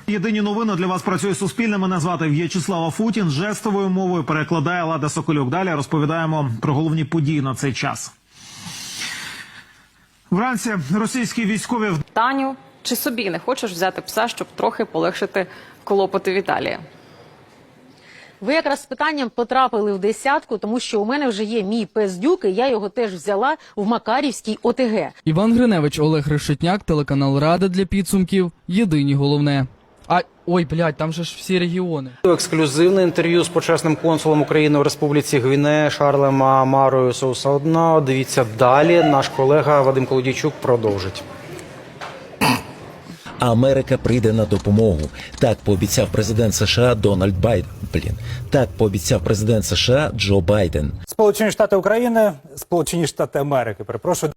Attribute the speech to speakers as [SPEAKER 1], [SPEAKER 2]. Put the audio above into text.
[SPEAKER 1] Єдині новини для вас працює Суспільне. Мене звати В'ячеслава Футін. Жестовою мовою перекладає Лада Соколюк. Далі розповідаємо про головні події на цей час. Вранці російські військові...
[SPEAKER 2] Таню, чи собі не хочеш взяти пса, щоб трохи полегшити клопоти Віталія?
[SPEAKER 3] Ви якраз з питанням потрапили в десятку, тому що у мене вже є мій пес Дюк, і я його теж взяла в Макарівській ОТГ.
[SPEAKER 4] Іван Гриневич, Олег Решетняк, телеканал Рада для підсумків. Єдині головне. Ой, блядь, там же ж всі регіони.
[SPEAKER 5] Ексклюзивне інтерв'ю з почесним консулом України у Республіці Гвінея Шарлем Амарою Соусаодно. Дивіться далі. Наш колега Вадим Колодійчук продовжить.
[SPEAKER 6] Америка прийде на допомогу. Так пообіцяв президент США Дональд Байден. Так пообіцяв президент США Джо Байден.
[SPEAKER 7] Сполучені Штати України, Сполучені Штати Америки, перепрошую.